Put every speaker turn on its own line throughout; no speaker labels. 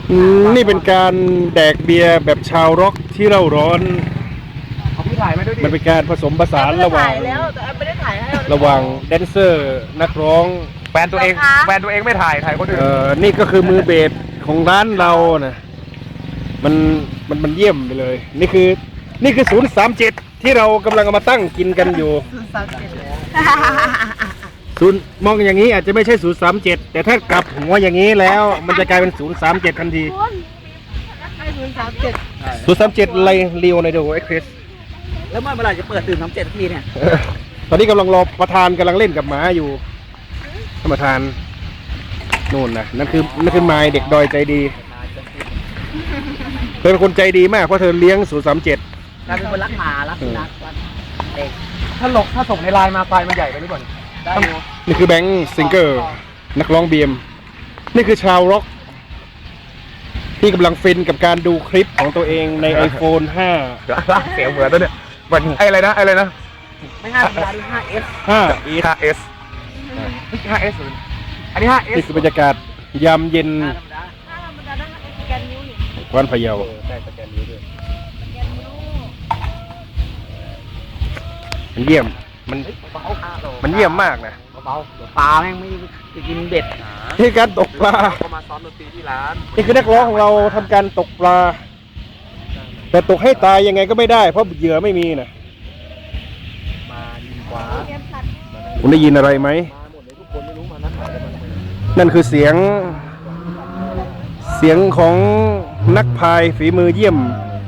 นี่เป็นการแดกเบียร์แบบชาวร็อกที่เร่าร้อน
เอาพี่ถ่ายมาด้วยดิ
มันเป็นการผสมผสานระหว่างแดนเซอร์นักร้อง
แฟนตัวเองไม่ถ่ายคนอื่น
นี่ก็คือมือเบสของร้านเรานะมันเยี่ยมไปเลยนี่คือ037ที่เรากำลังเอามาตั้งกินกันอยู่มองอย่างนี้อาจจะไม่ใช่037แต่ถ้ากลับหัวอย่างนี้แล้วมันจะกลายเป็น037ทันที037ไลเรียวในโดเอ็กเพรส
แล้วเมื่อไหร่จะเปิดตื่น37ทีเนี่ย
ตอนนี้กำลังรอประธานกำลังเล่นกับหมาอยู่ท่านประธานนู่นนะนั่นคือไม้เด็กดอยใจดีเธอเป็นคนใจดีมากเพราะเธอเลี้ยง037
กลายเป็นคนรักหมารักสุนัขเด็ก
ถ้าส่งในไลน์มาไฟล์มันใหญ่ไปหรือเปล่า
นี่คือแบงค์ซิงเกอร์นักร้องเบียมนี่คือชาวร็อกที่กำลังฟินกับการดูคลิปของตัวเองใน iPhone 5
เสียงเหมือนแล้วเนี่ยมันอะไรนะ
ไม่5ธรรมดาดิ 5S
5S อันนี้ 5S
นี่คือบรรยากาศยามเย็นกวานพะเยามันเยี่ยมมันเยี่ยมมากนะ
เบาปลาแม่งไม่จะกินเบ็ด
นี่การตกปลา
มาซ้อมดนตรีที่ร้าน
นี่คือนักร้องของเราทำการตกปลาแต่ตกให้ตายยังไงก็ไม่ได้เพราะเหยื่อไม่มีนะคุณได้ยินอะไรไหมนั่นคือเสียงของนักพายฝีมือเยี่ยม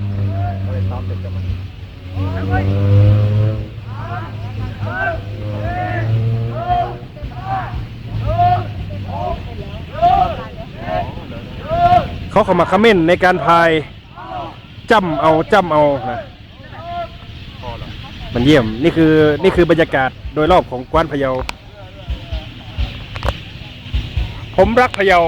เขาเข้ามาคอมเมนต์ในการพายจ้ำเอานะมันเยี่ยมนี่คือบรรยากาศโดยรอบของกวานพะเยาผมรักพะเยา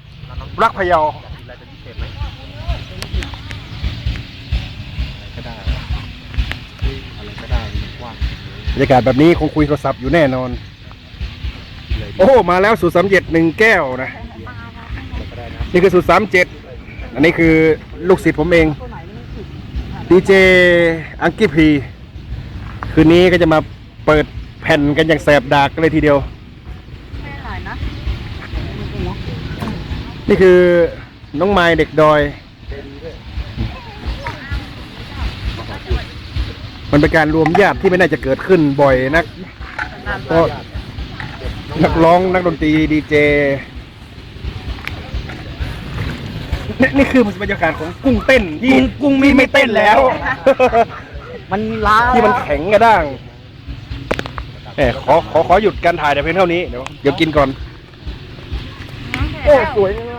บรรยากาศแบบนี้คงคุยโทรศัพท์อยู่แน่นอนโอ้มาแล้ว037 1 แก้วนะนี่คือ037อันนี้คือลูกศิษย์ผมเองดีเจอังกี้พีคืนนี้ก็จะมาเปิดแผ่นกันอย่างแสบดากกันเลยทีเดียวนี่คือน้องไม้เด็กดอยมันเป็นการรวมญาติที่ไม่น่าจะเกิดขึ้นบ่อยนักเพราะนักร้องนักดนตรีดีเจนี่คือบรรยากาศของกุ้งเต้นที่กุ้งไม่เต้นแล้ว
มันล้า
ที่มันแข็งกระด้างขอหยุดการถ่ายแต่เพียงเท่านี้เดี๋ยวกินก่อนโอ้สวย